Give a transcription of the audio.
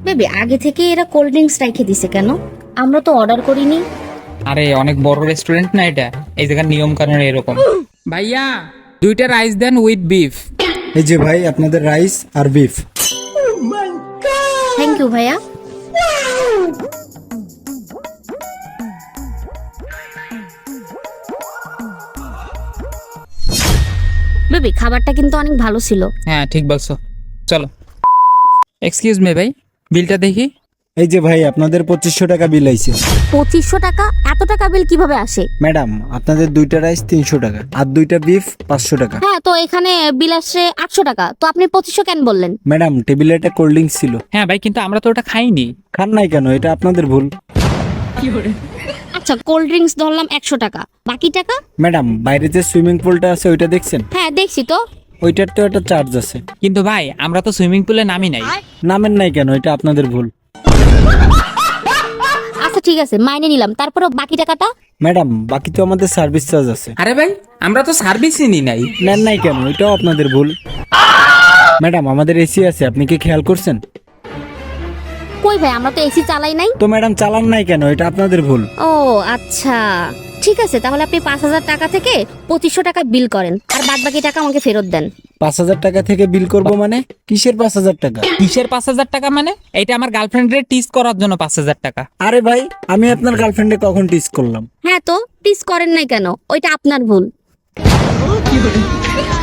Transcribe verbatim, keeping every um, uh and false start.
Baby আগে থেকে এরা কোল্ড ড্রিঙ্কস রেখে দিছে কেন? আমরা তো অর্ডার করিনি। আরে অনেক বড় রেস্টুরেন্ট না এটা, এই জায়গার নিয়ম কানুন এরকম। ভাইয়া দুইটা রাইস দেন উইথ বিফ। এই যে ভাই আপনাদের রাইস আর বিফ। থ্যাংক ইউ ভাইয়া। বেবি খাবারটা কিন্তু অনেক ভালো ছিল। হ্যাঁ ঠিক বলছো, চলো। এক্সকিউজ মি ভাই, বিলটা দেখি। এই যে ভাই আপনাদের পঁচিশশো টাকা বিল আইছে। পঁচিশশো টাকা? এত টাকা বিল কিভাবে আসে? ম্যাডাম আপনাদের দুইটা রাইস তিনশো টাকা আর দুইটা বিফ পাঁচশো টাকা। হ্যাঁ, তো এখানে বিল আসছে আটশো টাকা, তো আপনি পঁচিশশো কেন বললেন? ম্যাডাম টেবিলে একটা কোল্ড ড্রিঙ্কস ছিল। হ্যাঁ ভাই, কিন্তু আমরা তো ওটা খাইনি। খান নাই কেন? এটা আপনাদের ভুল। আচ্ছা, কোল্ড ড্রিঙ্কস ধরলাম একশো টাকা, বাকি টাকা? ম্যাডাম বাইরে যে সুইমিং পুলটা আছে ওইটা দেখছেন? হ্যাঁ দেখছি তো। ওইটার তো একটা চার্জ আছে। কিন্তু ভাই আমরা তো সুইমিং পুলে নামি নাই। নামেন নাই কেন? এটা আপনাদের ভুল। আচ্ছা ঠিক আছে, মাইনে নিলাম, তারপরে বাকি টাকাটা? ম্যাডাম বাকি তো আমাদের সার্ভিস চার্জ আছে। আরে ভাই আমরা তো সার্ভিসই নি নাই। নেন নাই কেন? এটাও আপনাদের ভুল। ম্যাডাম আমাদের এসি আছে, আপনি কি খেয়াল করছেন? কই ভাই, আমরা তো এসি চালাই নাই। তো ম্যাডাম চালান নাই কেন? এটা আপনাদের ভুল। ও আচ্ছা, ঠিক আছে, তাহলে আপনি পাঁচ হাজার টাকা থেকে পঁচিশশো টাকা বিল করেন, আর বাদ বাকি টাকা আমাকে ফেরত দেন। পাঁচ হাজার টাকা থেকে বিল করব মানে? কিসের পাঁচ হাজার টাকা? কিসের পাঁচ হাজার টাকা মানে? এটা আমার গার্লফ্রেন্ডের টিস করার জন্য পাঁচ হাজার টাকা। আরে ভাই আমি আপনার গার্লফ্রেন্ডে কখন টিস করলাম? হ্যাঁ, তো টিস করেন নাই কেন? ওইটা আপনার ভুল।